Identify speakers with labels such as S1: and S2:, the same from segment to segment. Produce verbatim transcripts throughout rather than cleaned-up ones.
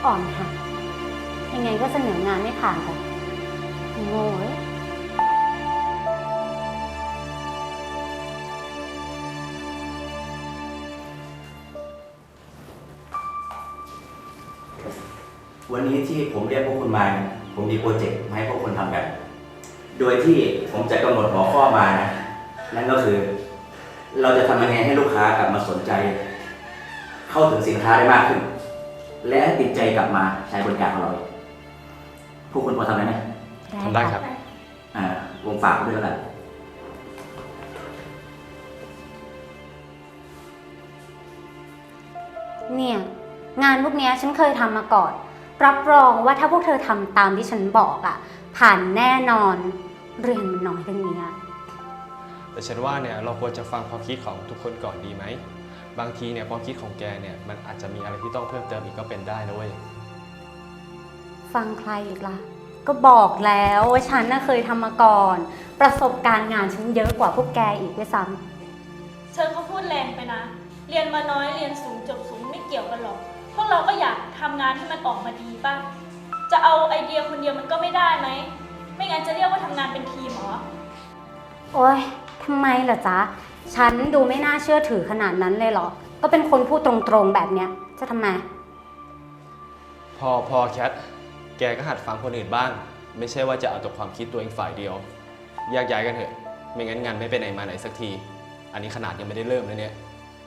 S1: อ่อนหัดยังไงก็เสนองานไม่ผ่านหรอกโง่เอ้ย
S2: วันนี้ที่ผมเรียกพวกคุณมาผมมีโปรเจกต์มาให้พวกคุณทำกัน โดยที่ผมจะกำหนดหัวข้อมานะนั่นก็คือ เราจะทำยังไงให้ลูกค้ากลับมาสนใจ เข้าถึงสินค้าได้มากขึ้น และติดใจกลับมาใช้บริการของเราพวกคุณพอทำได้ไหม
S3: ทำได้ครับ
S2: อ่าวงฝากด้วยแล้วกัน
S1: เนี่ยงานพวกนี้ฉันเคยทำมาก่อนรับรองว่าถ้าพวกเธอทำตามที่ฉันบอกอ่ะผ่านแน่นอนเรื่องมันน้อยเรื่องนี้
S3: แต่ฉันว่าเนี่ยเราควรจะฟังความคิดของทุกคนก่อนดีไหมบางทีเนี่ยความคิดของแกเนี่ยมันอาจจะมีอะไรที่ต้องเพิ่มเติมอีกก็เป็นได้นะเว้ย
S1: ฟังใครอีกล่ะก็บอกแล้วว่าฉันน่ะเคยทำมาก่อนประสบการณ์งานฉันเยอะกว่าพวกแกอีกด้วยซ้ำ
S4: เธอก็พูดแรงไปนะเรียนมาน้อยเรียนสูงจบสูงไม่เกี่ยวกันหรอกพวกเราก็อยากทำงานให้มันออกมาดีป่ะจะเอาไอเดียคนเดียวมันก็ไม่ได้ไหมไม่งั้นจะเรียกว่าทำงานเป็นทีมเหรอ
S1: โอ๊ยทำไมเหรอจ๊ะฉันดูไม่น่าเชื่อถือขนาดนั้นเลยเหรอก็เป็นคนพูดตรงๆแบบเนี้ยจะทำไม
S3: พอพอแคทแกก็หัดฟังคนอื่นบ้างไม่ใช่ว่าจะเอาแต่ความคิดตัวเองฝ่ายเดียวแยกย้ายกันเถอะไม่งั้นงานไม่ไปไหนมาไหนสักทีอันนี้ขนาดยังไม่ได้เริ่มเลยเนี่ย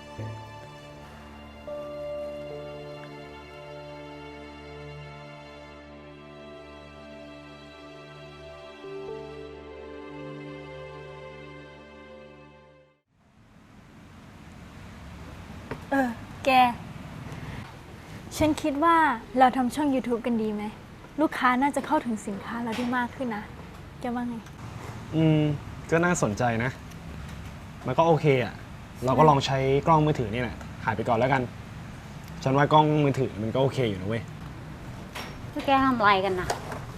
S5: เออแกฉันคิดว่าเราทำช่อง ยูทูบ กันดีไหมลูกค้าน่าจะเข้าถึงสินค้าเราได้มากขึ้นนะแกว่าไง
S3: อืมก็น่าสนใจนะมันก็โอเคอ่ะเราก็ลองใช้กล้องมือถือนี่แหละถ่ายไปก่อนแล้วกันฉันว่ากล้องมือถือมันก็โอเคอยู่นะเว้ย
S1: พวกแกทำอะไรกันนะ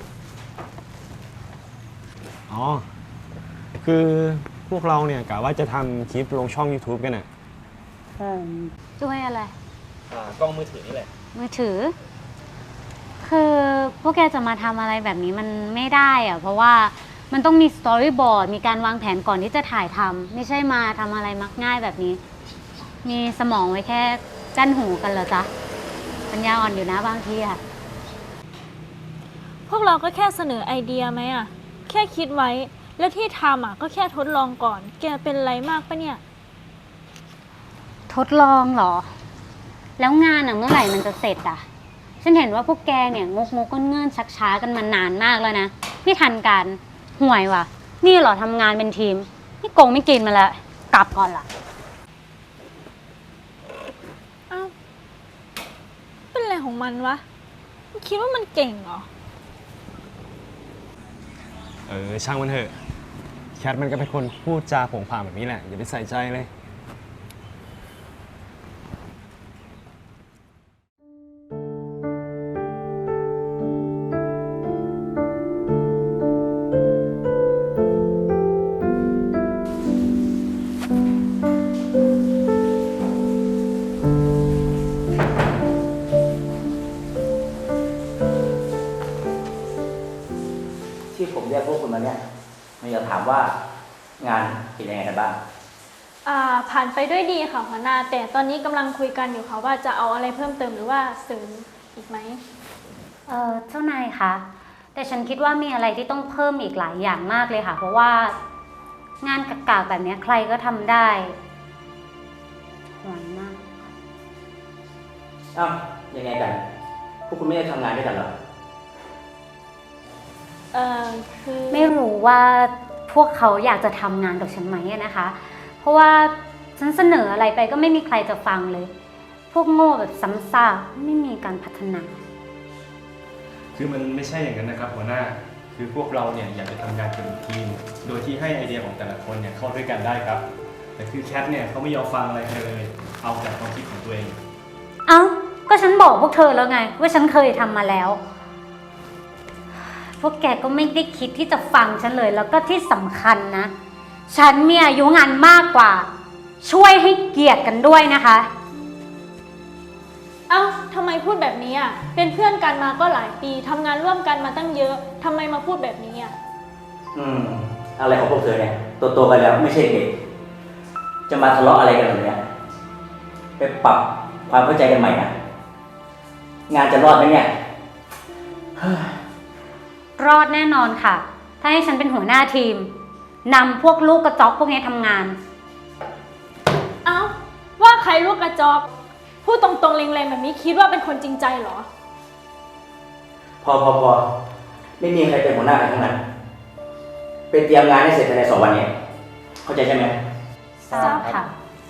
S3: อ๋อคือพวกเราเนี่ยกะว่าจะทำคลิปลงช่อง ยูทูบ กันน่ะ
S1: ช่วยอะไร
S3: กล้องมือถือนี่แหละ
S1: มือถือคือพวกแกจะมาทำอะไรแบบนี้มันไม่ได้อะเพราะว่ามันต้องมีสตอรี่บอร์ดมีการวางแผนก่อนที่จะถ่ายทำไม่ใช่มาทำอะไรมักง่ายแบบนี้มีสมองไว้แค่กั้นหูกันเหรอจ๊ะปัญญาอ่อนอยู่นะบางทีอะ
S5: พวกเราก็แค่เสนอไอเดียไหมอะแค่คิดไว้แล้วที่ทำอะก็แค่ทดลองก่อนแกเป็นไรมากปะเนี่ย
S1: ทดลองเหรอแล้วงานอะเมื่อไหร่มันจะเสร็จอะฉันเห็นว่าพวกแกเนี่ยงกงกก้นเงื่อนชักช้ากันมานานมากแล้วนะไม่ทันกันห่วยว่ะนี่เหรอทำงานเป็นทีมนี่โกงไม่กินมาแล้วกลับก่อนล่ะ
S5: อ้าวเป็นอะไรของมันวะมันคิดว่ามันเก่งเหรอ
S3: เออช่างมันเถอะแคทมันก็เป็นคนพูดจาโผงผางแบบนี้แหละอย่าไปใส่ใจเลย
S2: ที่ผมเรียกพวกคุณมาเนี่ยผมอยากถามว่างานเป็นยังไงกันบ้าง
S5: อ่าผ่านไปด้วยดีค่ะหัวหน้าแต่ตอนนี้กำลังคุยกันอยู่ค่ะว่าจะเอาอะไรเพิ่มเติมหรือว่าเสริมอีกไหม
S1: เออเจ้านายคะแต่ฉันคิดว่ามีอะไรที่ต้องเพิ่มอีกหลายอย่างมากเลยค่ะเพราะว่างานกากๆแบบนี้ใครก็ทำได้ห่วยมาก
S2: อ้าวยังไงกันพวกคุณไม่ได้ทำงานด้วยกันหรอ
S5: เออคือ
S1: ไม่รู้ว่าพวกเขาอยากจะทำงานกับฉันไหมนะคะเพราะว่าฉันเสนออะไรไปก็ไม่มีใครจะฟังเลยพวกโง่แบบซ้ำซากไม่มีการพัฒนา
S3: คือมันไม่ใช่อย่างนั้นนะครับหัวหน้าคือพวกเราเนี่ยอยากจะทำงานเป็นทีมโดยที่ให้ไอเดียของแต่ละคนเนี่ยเข้าด้วยกันได้ครับแต่คือแคทเนี่ยเขาไม่ยอมฟังอะไรเลยเอาแต่ความคิดของตัวเอง
S1: เอ้าก็ฉันบอกพวกเธอแล้วไงว่าฉันเคยทำมาแล้วพวกแกก็ไม่ได้คิดที่จะฟังฉันเลยแล้วก็ที่สำคัญนะฉันมีอายุงานมากกว่าช่วยให้เกียรติกันด้วยนะคะ
S4: เอ้าทำไมพูดแบบนี้อ่ะ เป็นเพื่อนกันมาก็หลายปีทำงานร่วมกันมาตั้งเยอะทำไมมาพูดแบบนี้อ่ะ
S2: อืม อะไรของพวกเธอเนี่ยโตๆกันแล้วไม่ใช่เด็ก จะมาทะเลาะอะไรกันแบบเนี้ยไปปรับความเข้าใจกันใหม่นะงานจะรอดไหมเนี่ย
S1: รอดแน่นอนค่ะ ถ้าให้ฉันเป็นหัวหน้าทีมนำพวกลูกกระจอกพวกนี้ทำงาน
S4: เอ้าว่าใครลูกกระจอกพูดตรงๆแรงๆแบบนี้คิดว่าเป็นคนจริงใจเหรอ
S2: พอพอพอไม่มีใครเป็นหัวหน้าใครทั้งนั้นไปเตรียมงานให้เสร็จภายในสองวันนี้ เข้าใจใช่ไหม
S1: ทราบค่ะ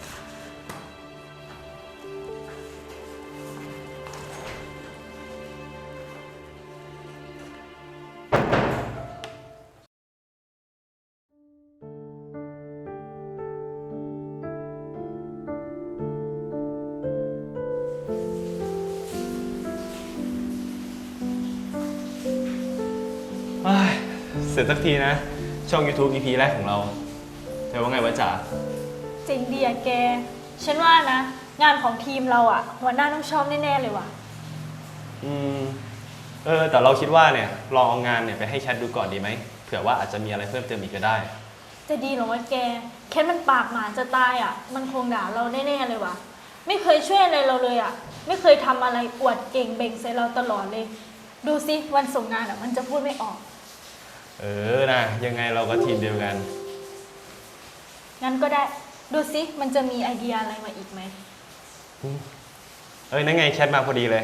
S3: เฮ้ยเสร็จสักทีนะ ช่อง YouTube อี พี แรกของเราเธอว่าไงวะจ๋า
S4: จริงดีอะแก ฉันว่านะ งานของทีมเราอะหัวหน้าต้องชอบแน่ๆเลยว่ะ
S3: อืม เออ แต่เราคิดว่าเนี่ยลองเอางานเนี่ยไปให้แชทดูก่อนดีไหมเผื่อว่าอาจจะมีอะไรเพิ่มเติมอีกก็ได้
S4: จะดีเหรอวะแก แค่มันปากหมาจะตายอะมันคงด่าเราแน่ๆเลยว่ะ ไม่เคยช่วยอะไรเราเลยอะไม่เคยทำอะไรอวดเก่งเบ่งใส่เราตลอดเลย ดูสิวันส่งงานอะมันจะพูดไม่ออก
S3: เออนะยังไงเราก็ทีมเดียวกัน
S4: งั้นก็ได้ ดูสิมันจะมีไอเดียอะไรมาอีกไหม
S3: เอ้ยนั่นไงแชทมาพอดีเลย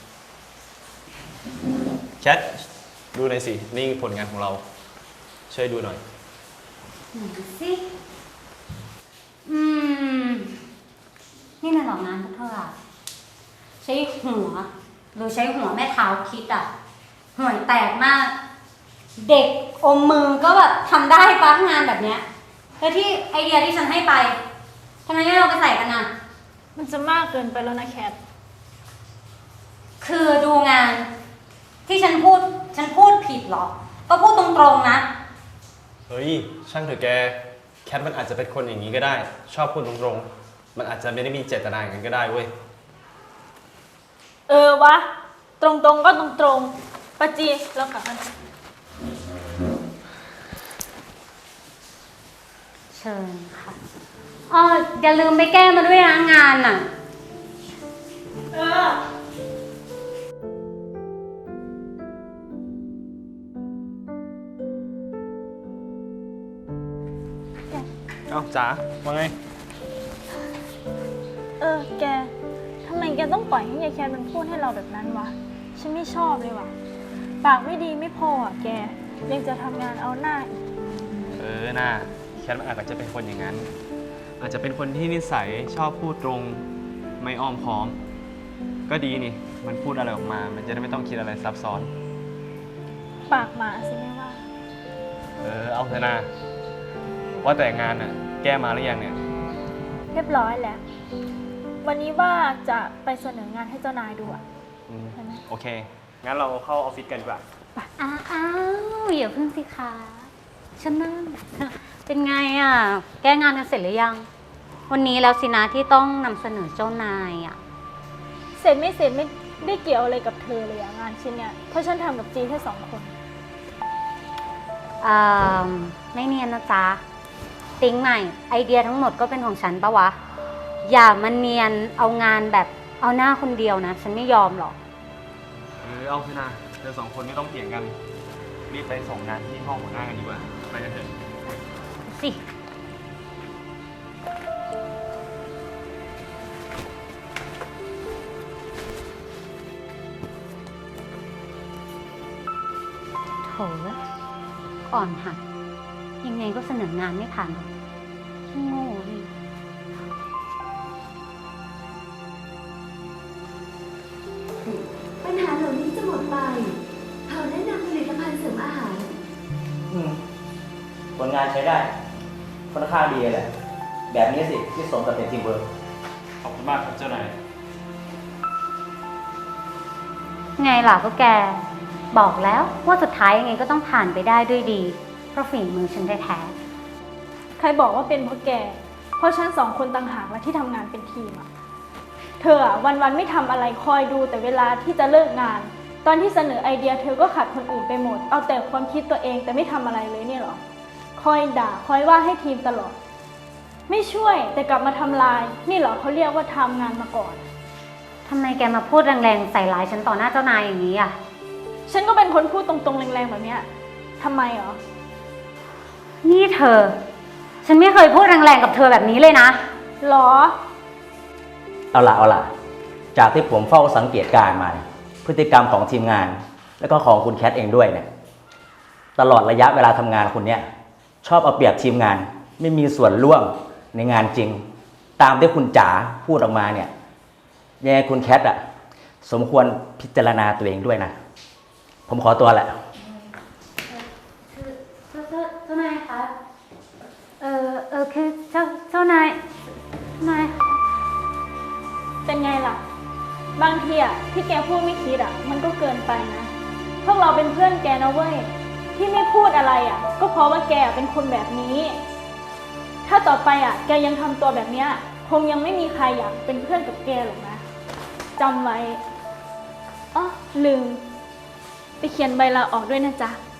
S3: แชทดูหน่อยสิ นี่ผลงานของเรา ช่วยดูหน่อย
S1: ไหนสิอืม นี่มันหรอกงานพวกเธออะใช้หัว หรือใช้หัวแม่เท้าคิดอะห่วยแตกมาก เด็กอมมือก็แบบทำได้ปะงานแบบเนี้ยแล้วที่ไอเดียที่ฉันให้ไปทำไมไม่เอาไปใส่กันอะ
S4: มันจะมากเกินไปแล้วนะแคท
S1: คือดูงาน ที่ฉันพูด ฉันพูดผิดเหรอ ก็พูดตรงๆนะ
S3: เฮ้ย ช่างเถอะแก แคทมันอาจจะเป็นคนอย่างนี้ก็ได้ ชอบพูดตรงๆ มันอาจจะไม่ได้มีเจตนาอย่างนั้นก็ได้เว้ย
S4: เออวะ ตรงๆก็ตรงๆปะจีเรากลับกัน
S1: เชิญค่ะอ๋ออย่าลืมไปแก้มาด้วยนะงานน่ะ
S4: เออ
S3: เอ้าจ๋าว่าไง
S4: เออ แก ทำไมแกต้องปล่อยให้ยายแคทมันพูดให้เราแบบนั้นวะ ฉันไม่ชอบเลยว่ะ ปากไม่ดีไม่พออ่ะแก ยังจะทำงานเอาหน้าอีก
S3: เออน่าแคทมันอาจจะเป็นคนอย่างนั้น อาจจะเป็นคนที่นิสัยชอบพูดตรง ไม่อ้อมค้อม ก็ดีนี่ มันพูดอะไรออกมา มันจะได้ไม่ต้องคิดอะไรซับซ้อน
S4: ปากหมาสิไม่ว่า
S3: เออ เอาเถอะนะว่าแต่งานน่ะ แก้มาหรือยังเนี่ย
S4: เรียบร้อยแล้ว วันนี้ว่าจะไปเสนองานให้เจ้านายดูอ่ะ
S3: อืม
S4: ใช่ไหม
S3: โอเค งั้นเราเข้าออฟฟิศกันดีกว่า
S1: อ้าวอ้าวอย่าเพิ่งสิคะฉันนั่น เป็นไงอ่ะ แก้งานกันเสร็จหรือยัง วันนี้แล้วสินะที่ต้องนำเสนอเจ้านายอ่ะ
S4: เสร็จไม่เสร็จไม่ได้เกี่ยวอะไรกับเธอเลยอะงานชิ้นเนี้ย เพราะฉันทำกับจีแค่สองคน
S1: อ่าไม่เนียนนะจ๊ะ ติ๊งใหม่ ไอเดียทั้งหมดก็เป็นของฉันปะวะ อย่ามาเนียนเอางานแบบเอาหน้าคนเดียวนะ ฉันไม่ยอมหรอก
S3: เออ เอาเถอะนะเธอสองคนไม่ต้องเถียงกัน รีบไปส่งงานที่ห้องหัวหน้ากันดีกว่า ไปกันเถอะ
S1: สิ โถอ่อนหัด ยังไงก็เสนองานไม่ผ่านหรอกขี้โง่นี่
S6: ปัญหาเหล่านี้จะหมดไปเขาแนะนำผลิตภัณฑ์เสริมอาหาร
S2: อืมผลงานใช้ได้ ค่อนข้างดีเลยแหละ แบบนี้สิที่สมกับเป็นทีมเวิร์ก
S3: ขอบคุณมากครับเจ้านาย
S1: ไงล่ะพวกแก บอกแล้วว่าสุดท้ายยังไงก็ต้องผ่านไปได้ด้วยดี เพราะฝีมือฉันแท้
S4: ใครบอกว่าเป็นเพราะแก เพราะฉันสองคนต่างหากและที่ทำงานเป็นทีมอะ
S1: ๆ
S4: เธออะวันๆไม่ทำอะไรคอยดูแต่เวลาที่จะเลิกงาน ตอนที่เสนอไอเดียเธอก็ขัดคนอื่นไปหมด เอาแต่ความคิดตัวเองแต่ไม่ทำอะไรเลยเนี่ยเหรอ คอยด่าคอยว่าให้ทีมตลอด ไม่ช่วยแต่กลับมาทำลาย นี่เหรอเขาเรียกว่าทำงานมาก่อน
S1: ทำไมแกมาพูดแรงๆใส่ร้ายฉันต่อหน้าเจ้านายอย่างนี้อ่ะ
S4: ฉันก็เป็นคนพูดตรงๆแรงๆแบบเนี้ยทำไมเหรอ
S1: นี่เธอ ฉันไม่เคยพูดแรงๆกับเธอแบบนี้เลยนะ
S4: หรอ
S2: เอาล่ะเอาล่ะ จากที่ผมเฝ้าสังเกตการณ์มาเนี่ยพฤติกรรมของทีมงาน แล้วก็ของคุณแคทเองด้วยเนี่ยตลอดระยะเวลาทำงานคุณเนี่ยชอบเอาเปรียบทีมงาน ไม่มีส่วนร่วมในงานจริง ตามที่คุณจ๋าพูดออกมาเนี่ยยังไงคุณแคทอะสมควรพิจารณาตัวเองด้วยนะ ผมขอตัวแหละ
S1: เจ้าเจ้าเจ้านายคะ เออเออคือเจ้าเจ้านายนาย
S4: เป็นไงล่ะ บางทีอะที่แกพูดไม่คิดอะมันก็เกินไปนะ พวกเราเป็นเพื่อนแกนะเว้ย ที่ไม่พูดอะไรอะก็เพราะว่าแกเป็นคนแบบนี้ ถ้าต่อไปอะแกยังทำตัวแบบเนี้ยคงยังไม่มีใครอยากเป็นเพื่อนกับแกหรอกนะจำไว้อ๋อลืม ไปเขียนใบลาออกด้วยนะจ๊ะ